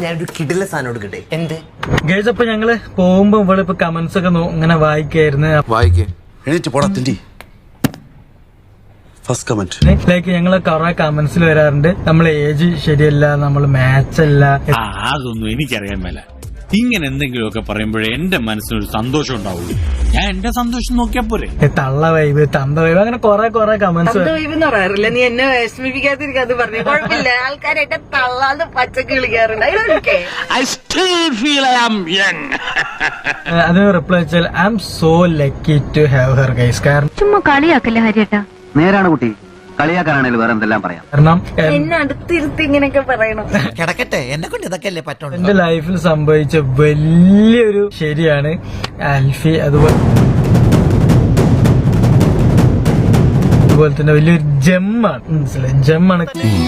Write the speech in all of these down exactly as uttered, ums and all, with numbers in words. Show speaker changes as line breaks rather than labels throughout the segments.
ഞാനൊരു കിടില സാധനം എടുക്കട്ടെ. എന്ത്
ഗൈസ്? അപ്പൊ ഞങ്ങള് പോകുമ്പോ ഇവിടെ ഇപ്പൊ കമന്റ്സ് ഒക്കെ ഇങ്ങനെ വായിക്കായിരുന്നു.
വായിക്കേ എണീറ്റ് പോടാ തിണ്ടി. ഫസ്റ്റ് കമന്റ്
ലൈക്ക് ഞങ്ങള് കുറെ കമന്റ്സിൽ വരാറുണ്ട്, നമ്മളെ ഏജ് ശരിയല്ല, നമ്മള് മാച്ച് അല്ല.
അതൊന്നും എനിക്കറിയാൻ മേല. ഇങ്ങനെ എന്തെങ്കിലുമൊക്കെ പറയുമ്പോഴേ എന്റെ മനസ്സിനൊരു സന്തോഷം ഉണ്ടാവുള്ളൂ. ഞാൻ എന്റെ സന്തോഷം നോക്കിയാ പോരെ.
തള്ള വൈബ്, തന്ത വൈബ്, അങ്ങനെ കുറെ കുറെ കമന്റ്സ്
പറയാറില്ല. നീ എന്നെ വിഷമിപ്പിക്കാതിരിക്കാതെ പറഞ്ഞു. കുഴപ്പമില്ല, ആൾക്കാരായിട്ട് തള്ളാന്ന് പച്ചക്ക് വിളിക്കാറുണ്ട്.
അതിന് റിപ്ലൈ വെച്ചാൽ I'm so lucky to have her guys. കാരണം
ചുമ്മാ കളിയാക്കല്ലേ ഹരിയേട്ടാ.
നേരാണ് കുട്ടി, കളിയാക്കാനാണേലും വേറെ എന്തെല്ലാം പറയാം.
കാരണം
എന്നെ അടുത്തിരുത്തി ഇങ്ങനെയൊക്കെ പറയണം.
കിടക്കട്ടെ, എന്നെ കൊണ്ട് ഇതൊക്കെ അല്ലേ പറ്റുള്ളൂ.
എന്റെ ലൈഫിൽ സംഭവിച്ച വലിയൊരു ശരിയാണ് ആൽഫി. അതുപോലെ അതുപോലെ തന്നെ വലിയൊരു ജെമ്മാണ്, മനസ്സിലായി? ജെമ്മാണ്.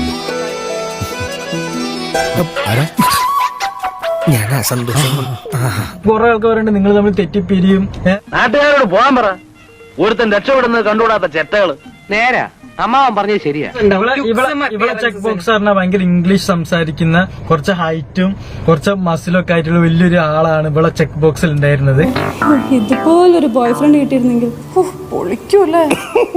ഞാൻ സന്തോഷം.
കുറെ ആൾക്കാർ പറയുന്നുണ്ട് നിങ്ങൾ തമ്മിൽ തെറ്റിപ്പിരിയും.
നാട്ടുകാരോട് പോകാൻ പറ. ഒരുത്തൻ രക്ഷപ്പെടുന്നത് കണ്ടുകൂടാത്ത ചെറ്റകള്. നേരാ, അമ്മാവൻ പറഞ്ഞത് ശരിയാ.
ഇവിടെ ചെക്ക് ബോക്സ് പറഞ്ഞാൽ ഭയങ്കര ഇംഗ്ലീഷ് സംസാരിക്കുന്ന, കുറച്ച് ഹൈറ്റും കുറച്ച് മസിലും ഒക്കെ ആയിട്ടുള്ള വലിയൊരു ആളാണ് ഇവിടെ ചെക്ക് ബോക്സിൽ ഉണ്ടായിരുന്നത്.
ഇതുപോലൊരു ബോയ് ഫ്രണ്ട് കിട്ടിയിരുന്നെങ്കിൽ പൊളിക്കൂല്ലേ.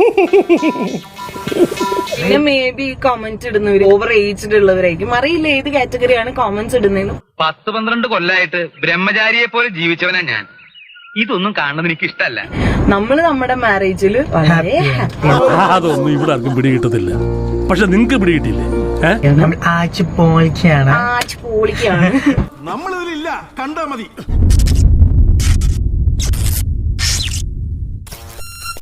പിന്നെ മേ ബി കമന്റ് ഇടുന്നവര് ഓവർ ഏജ്ഡ് ഉള്ളവരായിരിക്കും. അറിയില്ല ഏത് കാറ്റഗറിയാണ് കമന്റ്സ് ഇടുന്നതെന്ന്.
പത്ത് പന്ത്രണ്ട് കൊല്ലായിട്ട് ബ്രഹ്മചാരിയെ പോലെ ജീവിച്ചവനാ ഞാൻ. ഇതൊന്നും കാണുന്നത് എനിക്ക് ഇഷ്ടല്ല.
നമ്മള് നമ്മുടെ മാരേജില് വളരെ ഹാപ്പി.
അതൊന്നും ഇവിടെ ആർക്കും പിടികിട്ടത്തില്ല. പക്ഷെ നിങ്ങക്ക് പിടികിട്ടില്ലേ?
ആഴ്ച പോളിക്കാണ്,
ആച്ച് പൊളിക്കാണ്.
നമ്മളിതിലില്ല, കണ്ടാ മതി.